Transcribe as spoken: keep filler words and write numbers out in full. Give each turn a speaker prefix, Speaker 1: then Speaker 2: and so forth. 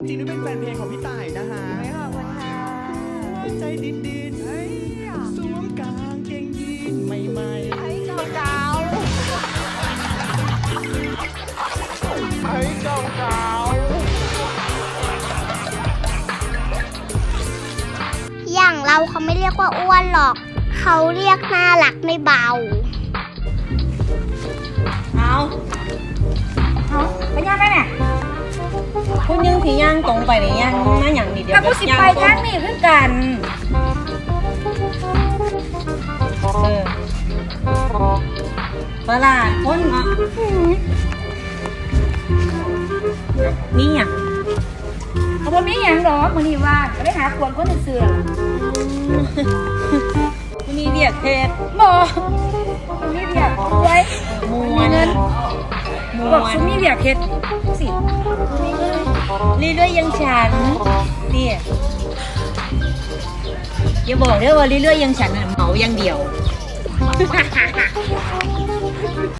Speaker 1: จริงๆเป็นแฟนเพลงของพี่ต่ายนะฮะ
Speaker 2: ไม่ขอบคุณค่ะ
Speaker 1: ใจดินดินสวมกางเกงยีนใหม่ๆ
Speaker 2: ไอ้เจ้าเจ้า
Speaker 1: ไอ้เจ้าเก่า
Speaker 3: อย่างเราเขาไม่เรียกว่าอ้วนหรอก เขาเรียกน่ารักไม่เบา
Speaker 2: เอาเอาไปย่างกันเนี่ย
Speaker 4: คุณยังที่ย่างตรงไปหรือย่างมาอย่างนี้เดียว
Speaker 2: ถ้ากูสิไปทางนี้คือกัน
Speaker 4: เออปลาดคนเนาะนี่อ่ะ
Speaker 2: เอาบ่มีหยังหรอกมื้อนี้ว่างก็ได้หาควรคนซื่อ
Speaker 4: มีเบียกเพชร
Speaker 2: ๆบ่บ่มีเบียกไว้
Speaker 4: มว
Speaker 2: มี
Speaker 4: น
Speaker 2: เงิน
Speaker 4: ม
Speaker 2: บอก
Speaker 4: ว
Speaker 2: ซุ
Speaker 4: น
Speaker 2: มีเบียกเฮ็ดสิ
Speaker 4: เรื่อยๆยังฉันเนี่ยอย่าบอกเด้อว่าเรื่อยๆยังฉันน่ะเหมาอย่างเดียว